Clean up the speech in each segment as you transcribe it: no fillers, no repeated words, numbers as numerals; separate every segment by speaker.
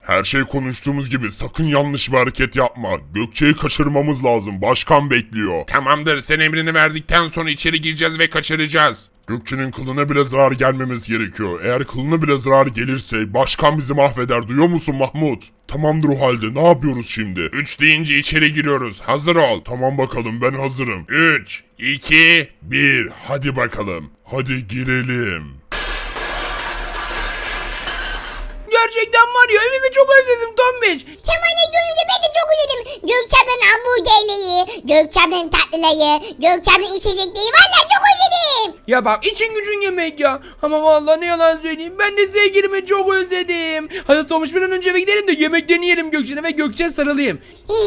Speaker 1: Her şey konuştuğumuz gibi, sakın yanlış bir hareket yapma. Gökçe'yi kaçırmamız lazım. Başkan bekliyor.
Speaker 2: Tamamdır, sen emrini verdikten sonra içeri gireceğiz ve kaçıracağız.
Speaker 1: Gökçe'nin kılına bile zarar gelmemiz gerekiyor. Eğer kılına bile zarar gelirse başkan bizi mahveder. Duyuyor musun Mahmut? Tamamdır o halde. Ne yapıyoruz şimdi?
Speaker 2: 3 deyince içeri giriyoruz. Hazır ol.
Speaker 1: Tamam bakalım, ben hazırım.
Speaker 2: 3, 2,
Speaker 1: 1. Hadi bakalım. Hadi girelim.
Speaker 3: Gerçekten var ya, evimi çok özledim Tombiş.
Speaker 4: Hemen Gökçe, ben de çok özledim. Gökçe ablanın hamburgerleri, Gökçe ablanın tatlıları, Gökçe ablanın içecekleri. Vallahi çok özledim.
Speaker 3: Ya bak, için gücün yemek ya. Ama vallahi ne yalan söyleyeyim, ben de sevgilimi çok özledim. Hadi Tomuş, bir an önce eve gidelim de yemeklerini yiyelim Gökçe'ne ve Gökçe'ye sarılayım.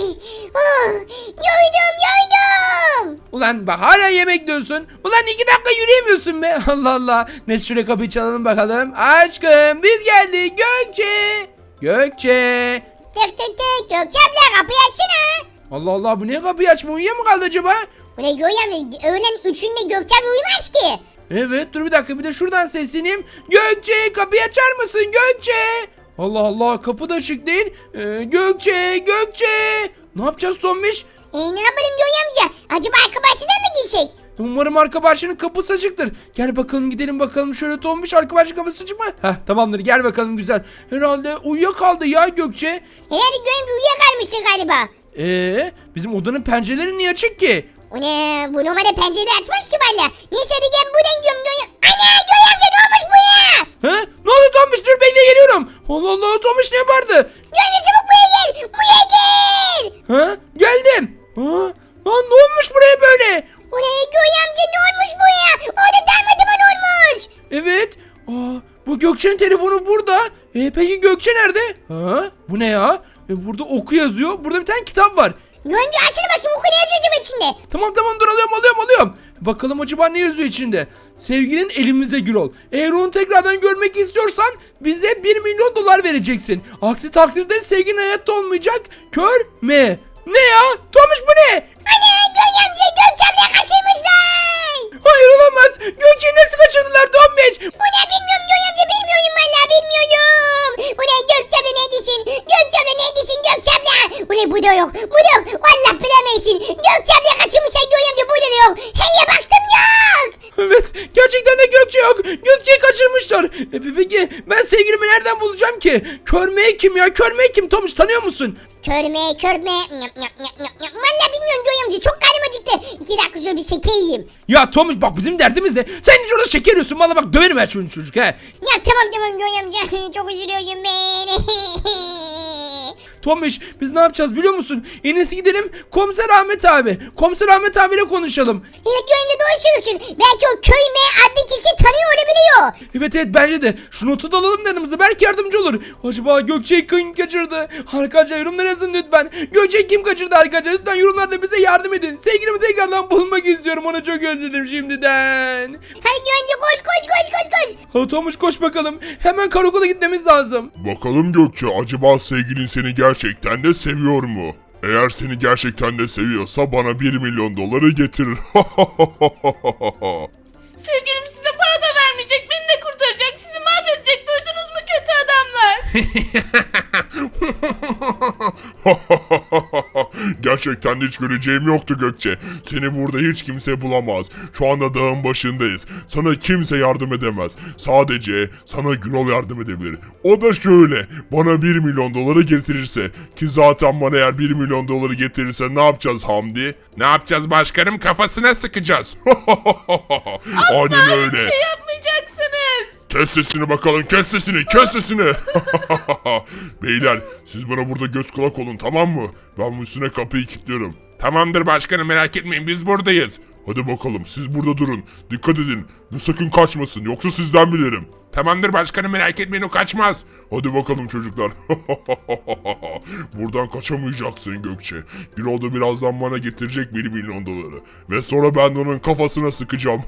Speaker 4: Yoydum.
Speaker 3: Ulan bak, hala yemek diyorsun. Ulan 2 dakika yürüyemiyorsun be. Allah Allah. Neyse, şuraya kapıyı çalalım bakalım. Aşkım, biz geldik. Gökçe. Gökçe.
Speaker 4: Tık tık tık. Gökçe abla kapıyı açsana.
Speaker 3: Allah Allah, bu niye kapıyı açma, uyuyor mu kaldı acaba?
Speaker 4: Bu ne Gökçe abla? Öğlen 3'ünde Gökçe abla uyumaz ki.
Speaker 3: Evet, dur bir dakika, bir de şuradan sesleneyim. Gökçe, kapıyı açar mısın Gökçe? Allah Allah, kapı da açık değil. Gökçe, Gökçe. Ne yapacağız Tombiş?
Speaker 4: Ne yapalım Gökçe amca? Acaba arkadaşına mı gitsek?
Speaker 3: Umarım arka bahçenin kapısı açıktır. Gel bakalım, gidelim bakalım, şöyle Tombiş, arka bahçenin kapısı açık mı? Heh, tamamdır, gel bakalım, güzel. Herhalde uyuyakaldı ya Gökçe.
Speaker 4: Herhalde Gökçe amca uyuyakalmışsın galiba.
Speaker 3: Bizim odanın pencereleri niye açık ki?
Speaker 4: O ne? Bu numara pencereyi açmaz ki valla. Neyse hadi gel buradan gidiyorum Gökçe. Ana Gökçe amca, ne olmuş bu ya?
Speaker 3: He? Ne oldu Tombiş? Dur, bekle, geliyorum. Allah Allah, Tombiş ne yapardı?
Speaker 4: Gökçe çabuk buraya gel. Buraya gel.
Speaker 3: Ha? Geldim. Ha? Lan ne olmuş buraya böyle?
Speaker 4: O ne Gökçe amca, ne olmuş bu ya? Orada darmadağın olmuş.
Speaker 3: Evet. Bu Gökçe'nin telefonu burada. Peki Gökçe nerede? Ha? Bu ne ya? Burada oku yazıyor. Burada bir tane kitap var.
Speaker 4: Gökçe amca açsana bakayım, oku ne yazıyor acaba içinde?
Speaker 3: Tamam, dur, alıyorum. Bakalım acaba ne yazıyor içinde? Sevgilin elimizde Gürol. Eğer onu tekrardan görmek istiyorsan bize 1 milyon dolar vereceksin. Aksi takdirde sevgilin hayatta olmayacak. Kör me. Ne ya? Tomuş, bu ne?
Speaker 4: Ana Gökçe amca, Gökçe abla kaçırmışlar.
Speaker 3: Hayır, olamaz. Gökçe'yi nasıl kaçırdılar Tomuş?
Speaker 4: Bu ne, bilmiyorum Gökçe amca, bilmiyorum valla, bilmiyorum. Bu ne Gökçe abla, neredesin? Gökçe abla neredesin Gökçe abla? Bu ne, bu da yok. Valla bilemezsin. Gökçe abla kaçırmışlar Gökçe amca, burada da yok. Heye baktım, yok.
Speaker 3: Evet, gerçekten de Gökçe yok. Gökçe'yi kaçırmışlar. Peki ben sevgilimi nereden bulacağım ki? Körmeye kim ya? Körmeye kim? Tomuş, tanıyor musun?
Speaker 4: Körme. Valla bilmiyorum Gökçe amca, çok karnım acıktı. 2 dakika sonra bir şeker yiyeyim.
Speaker 3: Ya Tomuş, bak bizim derdimiz ne? Sen hiç orada şeker yiyorsun. Valla bak, döverim her çocuk he.
Speaker 4: Ya tamam Gökçe amca, çok üzülüyorum ben.
Speaker 3: Tomuş, biz ne yapacağız biliyor musun? En iyisi gidelim Komiser Ahmet abi. Komiser Ahmet abiyle konuşalım.
Speaker 4: Evet Gökçe amca, doğru söylüyorsun. Belki o Köyme adlı kişi tanıyor olabiliyor.
Speaker 3: Evet, bence de. Şu notu da alalım da yanımıza. Belki yardımcı olur. Acaba Gökçe'yi kim kaçırdı? Arkadaşlar yorumlara yazın lütfen. Gökçe'yi kim kaçırdı arkadaşlar? Lütfen yorumlarda bize yardım edin. Sevgilimi tekrardan bulmak istiyorum. Onu çok özledim şimdiden.
Speaker 4: Hadi Gökçe amca, koş.
Speaker 3: Hadi Tomuş, koş bakalım. Hemen karakola gitmemiz lazım.
Speaker 1: Bakalım Gökçe, acaba sevgilin seni gerçekten de seviyor mu? Eğer seni gerçekten de seviyorsa bana 1 milyon doları getirir.
Speaker 5: Sevgilim size para da vermeyecek, beni de kurtaracak, sizi mahvedecek, duydunuz mu kötü adamlar?
Speaker 1: Gerçekten de hiç göreceğim yoktu Gökçe. Seni burada hiç kimse bulamaz. Şu anda dağın başındayız. Sana kimse yardım edemez. Sadece sana Gürol yardım edebilir. O da şöyle. Bana 1 milyon doları getirirse. Ki zaten bana eğer 1 milyon doları getirirse ne yapacağız Hamdi?
Speaker 2: Ne yapacağız başkanım? Kafasına sıkacağız.
Speaker 1: Aynen öyle.
Speaker 5: Bir şey yapmayacaksınız.
Speaker 1: Kes sesini bakalım, kes sesini. Beyler, siz bana burada göz kulak olun, tamam mı? Ben bu üstüne kapıyı kilitliyorum.
Speaker 2: Tamamdır başkanım, merak etmeyin, biz buradayız.
Speaker 1: Hadi bakalım, siz burada durun. Dikkat edin. Bu sakın kaçmasın, yoksa sizden bilirim.
Speaker 2: Tamamdır başkanım, merak etmeyin, o kaçmaz.
Speaker 1: Hadi bakalım çocuklar. Buradan kaçamayacaksın Gökçe. Gürol da birazdan bana getirecek 1 milyon doları. Ve sonra ben de onun kafasına sıkacağım.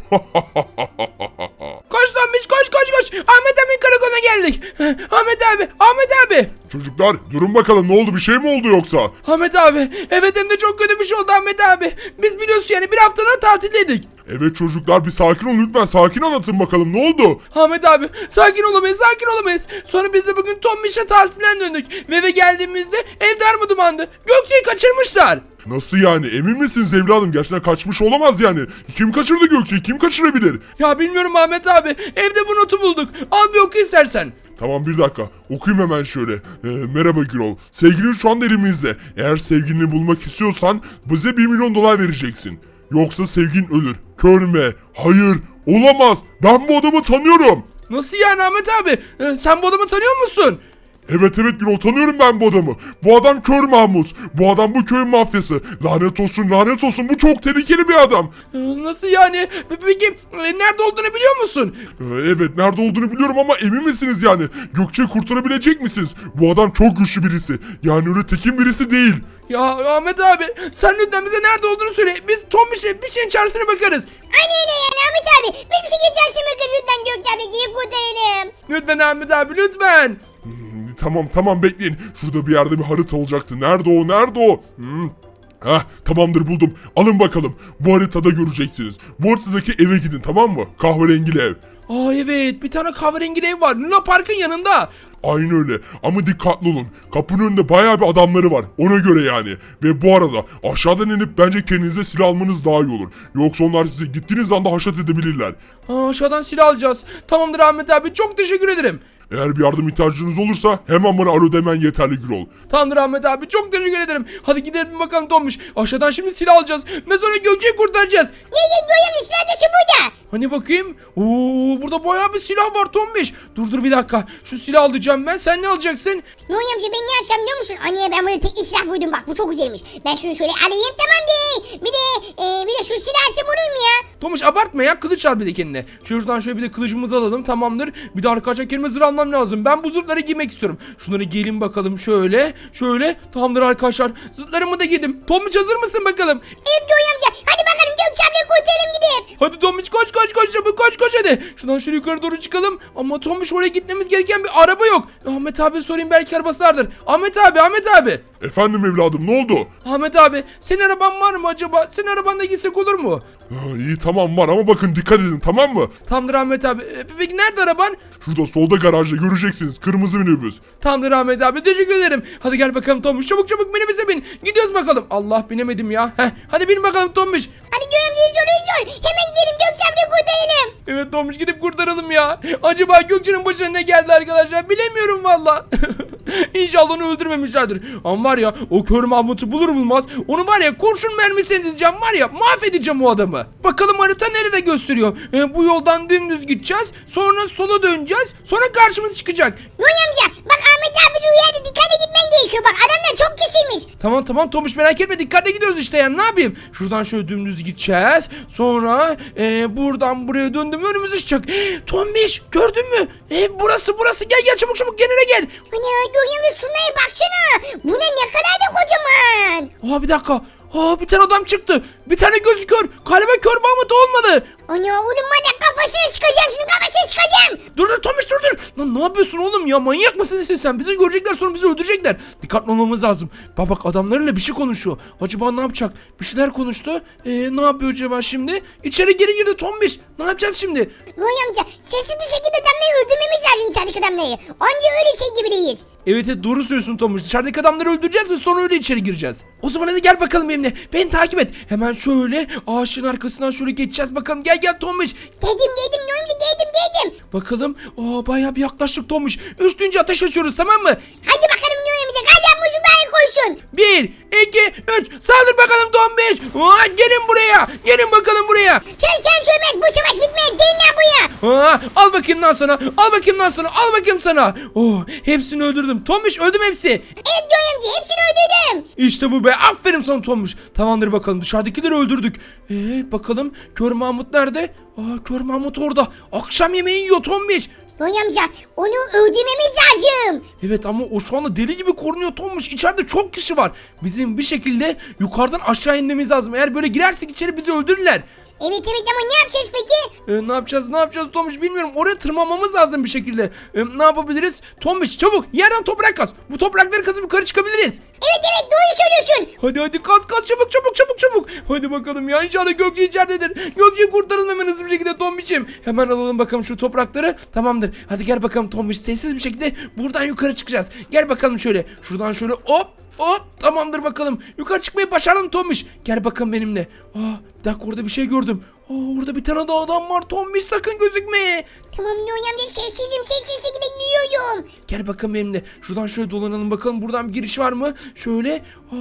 Speaker 3: Koş Tomuş, koş. Ahmet abi karakola geldik. Ahmet abi.
Speaker 1: Çocuklar durun bakalım, ne oldu, bir şey mi oldu yoksa?
Speaker 3: Ahmet abi, evet, hem de çok kötü bir şey oldu Ahmet abi. Biz biliyorsun yani bir haftadan tatildeydik.
Speaker 1: Evet çocuklar bir sakin olun lütfen. Sakin anlatın bakalım ne oldu?
Speaker 3: Ahmet abi sakin olamayız, sakin olamayız. Sonra biz de bugün Tombiş'e tatilden döndük. Ve eve geldiğimizde ev darmadumandı. Gökçe'yi kaçırmışlar.
Speaker 1: Nasıl yani? Emin misiniz evladım? Gerçekten kaçmış olamaz yani. Kim kaçırdı Gökçe'yi? Kim kaçırabilir?
Speaker 3: Ya bilmiyorum Ahmet abi. Evde bu notu bulduk. Al bir oku istersen.
Speaker 1: Tamam bir dakika. Okuyayım hemen şöyle. Merhaba Gürol. Sevgilin şu anda elimizde. Eğer sevgilini bulmak istiyorsan bize 1 milyon dolar vereceksin. Yoksa sevgilin ölür. Körme. Hayır. Olamaz. Ben bu adamı tanıyorum.
Speaker 3: Nasıl yani Ahmet abi? Sen bu adamı tanıyor musun?
Speaker 1: Evet Gürol tanıyorum ben bu adamı. Bu adam Kör Mahmut. Bu adam bu köyün mafyası. Lanet olsun bu çok tehlikeli bir adam.
Speaker 3: Nasıl yani? Peki nerede olduğunu biliyor musun?
Speaker 1: Evet nerede olduğunu biliyorum ama emin misiniz yani? Gökçe'yi kurtarabilecek misiniz? Bu adam çok güçlü birisi. Yani öyle tekin birisi değil.
Speaker 3: Ya Ahmet abi sen lütfen bize nerede olduğunu söyle. Biz Tombiş'e bir şeyin çaresine bakarız.
Speaker 4: Aynen yani Ahmet abi. Biz bir şey geçersin bakın lütfen Gökçe abla diye kurtaralım.
Speaker 3: Lütfen Ahmet abi lütfen.
Speaker 1: Tamam bekleyin. Şurada bir yerde bir harita olacaktı. Nerede o? Tamamdır buldum. Alın bakalım. Bu haritada göreceksiniz. Bu haritadaki eve gidin tamam mı? Kahverengili ev.
Speaker 3: Aa evet bir tane kahverengi ev var. Luna Park'ın yanında.
Speaker 1: Aynı öyle ama dikkatli olun. Kapının önünde bayağı bir adamları var. Ona göre yani. Ve bu arada aşağıdan inip bence kendinize silah almanız daha iyi olur. Yoksa onlar sizi gittiğiniz anda haşat edebilirler.
Speaker 3: Aşağıdan silah alacağız. Tamamdır Ahmet abi çok teşekkür ederim.
Speaker 1: Eğer bir yardım ihtiyacınız olursa hemen bana alo demen yeterli Gürol.
Speaker 3: Tamamdır Ahmet abi çok teşekkür ederim. Hadi gidelim bakalım Tombiş. Aşağıdan şimdi silah alacağız. Ve sonra Gökçe'yi kurtaracağız.
Speaker 4: Niye Gökçe silah taşı burada?
Speaker 3: Hani bakayım. Oo burada bayağı bir silah var Tombiş. Dur bir dakika. Şu silah alacağım ben. Sen ne alacaksın?
Speaker 4: Noy amca ben ne yapacağım biliyor musun? Anne ben burada tek silah buydum bak bu çok güzelmiş. Ben şunu şöyle alayım tamam değil. Bir de şu silahı vurayım ya.
Speaker 3: Tombiş abartma ya. Kılıç al bir de kendine. Şuradan şöyle bir de kılıcımızı alalım. Tamamdır. Bir de arkadaşlar kendime zırh almam lazım. Ben bu zırhları giymek istiyorum. Şunları giyelim bakalım şöyle. Şöyle. Tamamdır arkadaşlar. Zırhlarımı da giydim. Tombiş hazır mısın bakalım?
Speaker 4: Evet Noy amca hadi bakalım Gökçe ablayı kurtaralım gidip.
Speaker 3: Hadi Tombiş koş çabuk koş hadi. Şuradan şöyle yukarı doğru çıkalım. Ama Tombiş oraya gitmemiz gereken bir araba yok. Ahmet abi sorayım belki arabası vardır. Ahmet abi.
Speaker 1: Efendim evladım ne oldu?
Speaker 3: Ahmet abi senin araban var mı acaba? Senin arabanla gitsek olur mu?
Speaker 1: İyi tamam var ama bakın dikkat edin tamam mı?
Speaker 3: Tamamdır Ahmet abi. Peki nerede araban?
Speaker 1: Şurada solda garajda göreceksiniz kırmızı minibüs.
Speaker 3: Tamamdır Ahmet abi teşekkür ederim. Hadi gel bakalım Tombiş çabuk minibüse bin. Gidiyoruz bakalım. Allah binemedim ya. Hadi bin bakalım Tombiş.
Speaker 4: Hadi Noy amca sor. Hemen gidelim Gökçe ablayı kurtaralım.
Speaker 3: Evet Tombiş gidip kurtaralım ya. Acaba Gökçe'nin başına ne geldi arkadaşlar? Bilemiyorum valla. İnşallah onu öldürmemişlerdir. Ama var ya o kör Mahmut'u bulur bulmaz onu var ya kurşun mermisine dizeceğim var ya mahvedeceğim o adamı. Bakalım harita nerede gösteriyor? Bu yoldan dümdüz gideceğiz. Sonra sola döneceğiz. Sonra karşımız çıkacak.
Speaker 4: Noy amca bak Ahmet abi şu yerde dikkatli gitmen gerekiyor. Bak adamlar çok kişiymiş.
Speaker 3: Tamam Tomuş merak etme dikkatli gidiyoruz işte yani ne yapayım? Şuradan şöyle dümdüz gideceğiz. Sonra buradan buraya döndüm önümüze çıkacak. Tomuş gördün mü? Burası gel çabuk kendine gel.
Speaker 4: Ana Noy amca şunlara baksana. Bu ne kadar da kocaman.
Speaker 3: Bir dakika. Bir tane adam çıktı. Bir tane gözü kör. Galiba kör Mahmut olmadı.
Speaker 4: Ana oğlum bana kafasına çıkacağım şimdi kafasına çıkacağım.
Speaker 3: Dur Tomuş dur. Lan ne yapıyorsun oğlum ya manyak mısın sen? Bizi görecekler sonra bizi öldürecekler. Dikkatli olmamız lazım. Bak adamlarıyla bir şey konuşuyor. Acaba ne yapacak? Bir şeyler konuştu. Ne yapıyor acaba şimdi? İçeri geri girdi Tomuş. Ne yapacağız şimdi?
Speaker 4: Noy amca sessiz bir şekilde adamları öldürmemiz lazım dışarıdaki adamları. Anca öyle şey gibi değil.
Speaker 3: Evet doğru söylüyorsun Tomuş. Dışarıdaki adamları öldüreceğiz ve sonra öyle içeri gireceğiz. O zaman hadi gel bakalım benimle. Beni takip et. Hemen şöyle ağaçın arkasından şöyle geçeceğiz bakalım. Gel Tomuş.
Speaker 4: Geldim Noy amca geldim.
Speaker 3: Bakalım. Bayağı bir yaklaştık Tomuş. Üstünce ateş açıyoruz tamam mı?
Speaker 4: Hadi bakalım Noy amca hadi muzu bari koşun.
Speaker 3: 1, 2, 3. Saldır bakalım Tomuş. Gelin buraya. Gelin bakalım buraya.
Speaker 4: Sen söylemez bu savaş bitmez gelin lan buraya.
Speaker 3: Al bakayım lan sana. Al bakayım sana. Hepsini öldürdüm. Tomuş öldüm hepsi.
Speaker 4: Evet Noy amca hepsini öldürdüm.
Speaker 3: İşte bu be. Aferin sana Tomuş. Tamamdır bakalım. Dışarıdakileri öldürdük. Bakalım. Kör Mahmut nerede? Kör Mahmut orada. Akşam yemeği yiyor Tomuş.
Speaker 4: Noy amca onu öldürmemiz lazım.
Speaker 3: Evet ama o şu anda deli gibi korunuyor Tomuş. İçeride çok kişi var. Bizim bir şekilde yukarıdan aşağı inmemiz lazım. Eğer böyle girersek içeri bizi öldürürler.
Speaker 4: Evet ama ne yapacağız peki?
Speaker 3: Ne yapacağız Tomuş bilmiyorum. Oraya tırmanmamız lazım bir şekilde. Ne yapabiliriz? Tomuş çabuk yerden toprak kaz. Bu toprakları kazıp yukarı çıkabiliriz.
Speaker 4: Evet doğru söylüyorsun.
Speaker 3: Hadi kaz çabuk. Hadi bakalım ya inşallah Gökçe içeridedir. Gökçe'yi kurtaralım hemen hızlı bir şekilde Tombiş'im. Hemen alalım bakalım şu toprakları. Tamamdır. Hadi gel bakalım Tombiş sessiz bir şekilde buradan yukarı çıkacağız. Gel bakalım şöyle. Şuradan şöyle hop. Tamamdır bakalım. Yukarı çıkmayı başardım Tombiş. Gel bakalım benimle. Bir dakika orada bir şey gördüm. Orada bir tane daha adam var. Tombiş sakın gözükme.
Speaker 4: Tamam Noy amca sessiz şekilde giyiyorum.
Speaker 3: Gel bakalım benimle. Şuradan şöyle dolanalım bakalım. Buradan bir giriş var mı? Şöyle.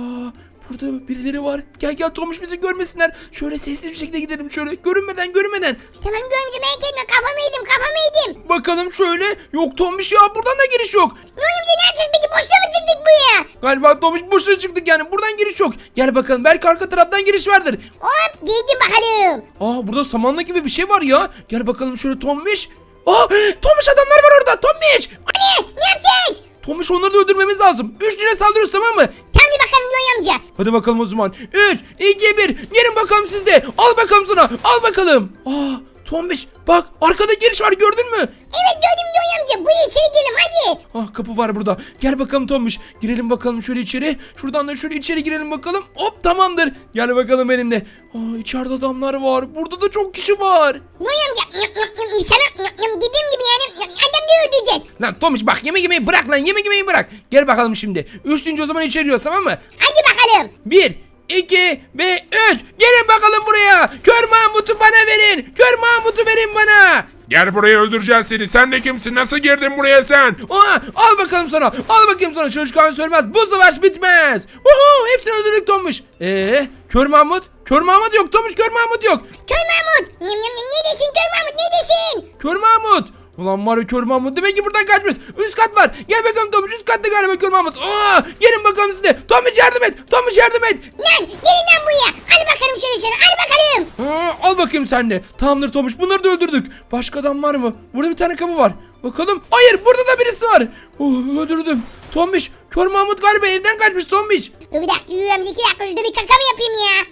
Speaker 3: Burada birileri var. Gel Tomuş bizi görmesinler. Şöyle sessiz bir şekilde gidelim şöyle. Görünmeden.
Speaker 4: Tamam Noy amca merak etme kafamı yedim.
Speaker 3: Bakalım şöyle. Yok Tomuş ya buradan da giriş yok.
Speaker 4: Noy amca ne yapacağız peki boşuna mı çıktık buraya?
Speaker 3: Galiba Tomuş boşuna çıktık yani. Buradan giriş yok. Gel bakalım belki arka taraftan giriş vardır.
Speaker 4: Hop girdim bakalım.
Speaker 3: Burada samanla gibi bir şey var ya. Gel bakalım şöyle Tomuş. Tomuş adamlar var orada. Tomuş.
Speaker 4: Ne yapacağız?
Speaker 3: Tomuş onları da öldürmemiz lazım. Üçlüğüne saldırıyoruz tamam mı?
Speaker 4: Tamam bakalım Noy amca.
Speaker 3: Hadi bakalım o zaman. 3, 2, 1. Gelin bakalım siz de. Al bakalım sana. Al bakalım. Tombiş bak arkada giriş var gördün mü?
Speaker 4: Evet gördüm Noy amca. Buraya içeri girelim hadi.
Speaker 3: Kapı var burada. Gel bakalım Tombiş. Girelim bakalım şöyle içeri. Şuradan da şöyle içeri girelim bakalım. Hop tamamdır. Gel bakalım benimle. İçeride adamlar var. Burada da çok kişi var.
Speaker 4: Noy amca sana dediğim gibi yani adam da öldüreceğiz.
Speaker 3: Lan Tombiş bak yemek yemeyi bırak lan. Yemek yemeyi bırak. Gel bakalım şimdi. Üçüncü o zaman içeri giriyoruz tamam mı?
Speaker 4: Hadi bakalım.
Speaker 3: 1, 2 ve 3. Gelin bakalım buraya. Kör Mahmut'u bana verin. Kör Mahmut'u verin bana.
Speaker 2: Gel buraya öldüreceğiz seni. Sen de kimsin? Nasıl girdin buraya sen?
Speaker 3: Al bakalım sana. Al bakayım sana. Çalışkan söylemez. Bu savaş bitmez. Hepsini öldürdük Tomuş. Kör Mahmut? Kör Mahmut yok Tomuş. Kör Mahmut yok.
Speaker 4: Köy Mahmut. Ne desin Köy Mahmut ne desin?
Speaker 3: Kör Mahmut. Ulan var ya Kör Mahmut. Demek ki buradan kaçmış. Üst kat var. Gel bakalım Tomuş. Üst katta galiba Kör Mahmut. Gelin bakalım siz de. Tomuş yardım et. Tomuş yardım et.
Speaker 4: Lan gelin lan buraya. Hadi bakalım şöyle sana. Hadi bakalım.
Speaker 3: Al bakayım sen de. Tamamdır Tomuş. Bunları da öldürdük. Başka adam var mı? Burada bir tane kapı var. Bakalım. Hayır burada da birisi var. Öldürdüm. Tomuş. Kör Mahmut galiba evden kaçmış Tomuş.
Speaker 4: Dur bir dakika yürüyorum. 2 dakika şurada bir kaka mı yapayım ya?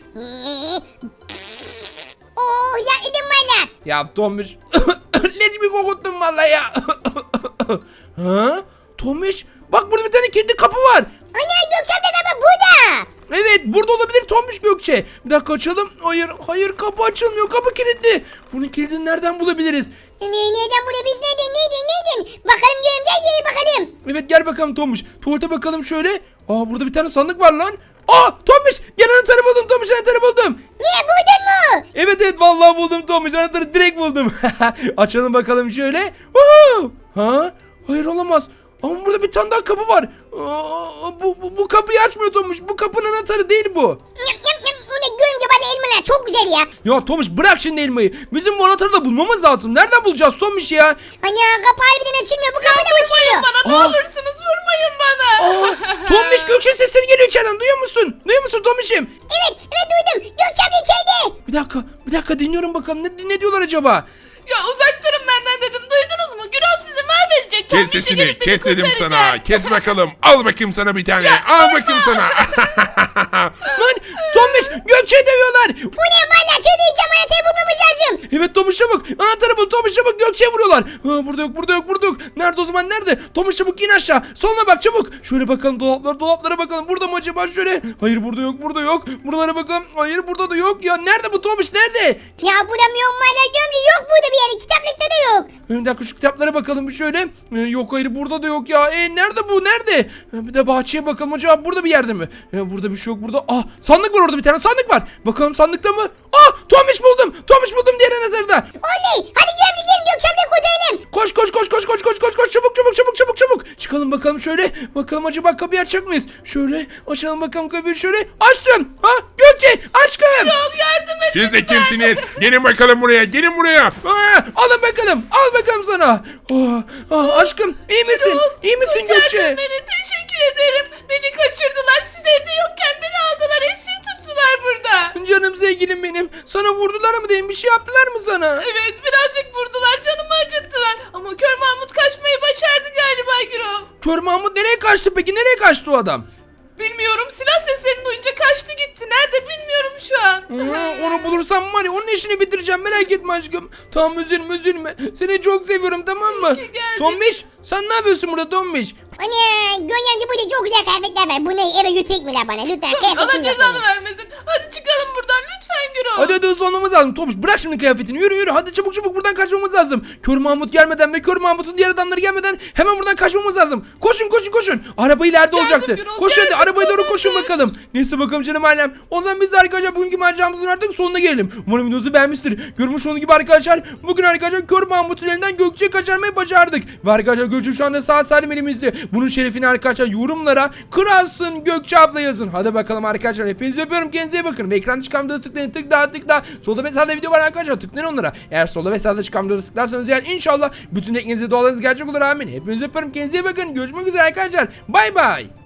Speaker 4: Ya edim valla.
Speaker 3: Ya Tomuş. Leş bir kokuttun valla ya. Tomuş. Bak burada bir tane kedi kapı var.
Speaker 4: Ana Gökçem'le kapı burada.
Speaker 3: Evet burada olabilir Tomuş Gökçe. Bir dakika açalım. Hayır kapı açılmıyor. Kapı kilitli. Bunun kilidini nereden bulabiliriz?
Speaker 4: Neden buraya biz neden? Bakalım görümcez bakalım.
Speaker 3: Evet gel bakalım Tomuş. Tuvalete bakalım şöyle. Burada bir tane sandık var lan. Tomuş gel anahtarı buldum Tomuş anahtarı buldum.
Speaker 4: Niye buldun mu?
Speaker 3: Evet vallahi buldum Tomuş anahtarı direkt buldum. Açalım bakalım şöyle. Hayır olamaz. Ama burada bir tane daha kapı var. Bu kapıyı açmıyor Tomuş. Bu kapının anahtarı değil bu.
Speaker 4: Bu ne görümce bana elmalar çok güzel ya.
Speaker 3: Ya Tomuş bırak şimdi elmayı. Bizim bu anahtarı da bulmamız lazım. Nereden bulacağız Tomuş ya?
Speaker 4: Ana kapı harbiden açılmıyor. Bu kapı da mı açılıyor?
Speaker 5: Bana ne olursunuz vurmayın bana.
Speaker 3: Tomuş Gökçe sesleri geliyor içeriden. Duyuyor musun? Duyuyor musun Tomuş'im?
Speaker 4: Evet duydum. Gökçem'le içeride.
Speaker 3: Bir dakika dinliyorum bakalım. Ne diyorlar acaba?
Speaker 5: Ya uzak durun benden dedim. Duydunuz mu? Gürol sizi mahvedecek.
Speaker 2: Kes
Speaker 5: Tombiş'i
Speaker 2: sesini.
Speaker 5: gelip beni
Speaker 2: Kes dedim
Speaker 5: kurtaracak.
Speaker 2: sana. Kes bakalım. Al bakayım sana bir tane. Al bakayım sana.
Speaker 3: Lan Tomuş Gökçe'yi dövüyorlar.
Speaker 4: Bu ne valla çözdüreceğim anahtarı bulmamız lazım.
Speaker 3: Evet Tomuş çabuk. Anahtarı bul Tomuş çabuk Gökçe'ye vuruyorlar. Burada yok. Nerede o zaman nerede? Tomuş çabuk in aşağı. Soluna bak çabuk. Şöyle bakalım dolaplara bakalım. Burada mı acaba şöyle? Hayır burada yok. Buralara bakalım. Hayır burada da yok. Ya nerede bu Tomuş nerede?
Speaker 4: Ya bulamıyorum valla gömlü yok burada bir yere. Kitaplıkta da yok.
Speaker 3: Bir dakika şu kitaplara bakalım bir şöyle. Yok hayır burada da yok ya. Nerede bu nerede? Bir de bahçeye bakalım acaba burada bir yerde mi? Burada bir şey yok burada. Sandık var orada bir tane sandık var. Bakalım sandıkta mı? Tomuş buldum. Tomuş buldum diğer anahtarı da.
Speaker 4: Oley hadi gömlü gelin Gökçem'le kurtaralım.
Speaker 3: Koş çabuk. Çıkalım bakalım şöyle. Bakalım acaba kapıyı açacak mıyız? Şöyle açalım bakalım kapıyı şöyle. Açtım. Gökçe aşkım.
Speaker 5: Gürol yardım edin.
Speaker 2: Siz de kimsiniz? Gelin bakalım buraya. Gelin buraya.
Speaker 3: Alın bakalım. Al bakalım sana. Aşkım iyi misin? İyi misin Gökçe?
Speaker 5: Kurtardın beni. Teşekkür ederim. Beni kaçırdılar. Siz evde yokken beni aldılar. Esir tuttular burada.
Speaker 3: Canım sevgilim benim. Sana vurdular mı diyeyim? Bir şey yaptılar mı sana?
Speaker 5: Evet birazcık vurdular. Canımı acıttılar. Ama Kör Mahmut kaçmayı başardı galiba Gürol.
Speaker 3: Kör Mahmut nereye kaçtı peki? Nereye kaçtı o adam?
Speaker 5: Bilmiyorum silah seslerini duyunca kaçtı gitti. Nerede bilmiyorum bulamıyorum şu an.
Speaker 3: Onu bulursam var ya onun işini bitireceğim, merak etme aşkım. Tamam, üzülme. Seni çok seviyorum, tamam mı?
Speaker 5: ki geldin.
Speaker 3: Tombiş, sen ne yapıyorsun burada Tombiş?
Speaker 4: Ana Göğe amca burada çok güzel kıyafetler var. Bunu eve götürecek mi la bana? Lütfen
Speaker 5: Allah
Speaker 4: kıyafetim yok
Speaker 5: cezanı
Speaker 4: benim.
Speaker 5: vermesin. Hadi çıkalım buradan lütfen Gürol.
Speaker 3: Hadi hızlı olmamız lazım. Tombiş bırak şimdi kıyafetini, yürü hadi çabuk buradan kaçmamız lazım. Kör Mahmut gelmeden ve Kör Mahmut'un diğer adamları gelmeden hemen buradan kaçmamız lazım. Koşun. Araba ileride olacaktı.
Speaker 5: Gürol,
Speaker 3: Koşun hadi,
Speaker 5: geldim,
Speaker 3: arabaya doğru koşun
Speaker 5: tamam.
Speaker 3: bakalım. Neyse bakalım canım ailem. O zaman biz de arkadaşlar bugünkü maceramızın artık sonuna gelelim. Umarım videomuzu beğenmiştir. Görmüş olduğunuz gibi arkadaşlar bugün arkadaşlar Kör Mahmut'un elinden Gökçe'yi kaçırmayı başardık. Ve arkadaşlar Gökçe şu anda sağ salim elimizde. Bunun şerefini arkadaşlar yorumlara kralsın Gökçe abla yazın. Hadi bakalım arkadaşlar, hepinizi öpüyorum, kendinize iyi bakın. Ve ekranda çıkan videoları tıklayın, tıkla. Solda ve sağda video var arkadaşlar, tıklayın onlara. Eğer solda ve sağda çıkan videoları tıklarsanız yani inşallah bütün ekmeğinize dualarınız gerçek olur, amin. Hepinizi öpüyorum, kendinize iyi bakın. Görüşmek üzere arkadaşlar. Bay bay.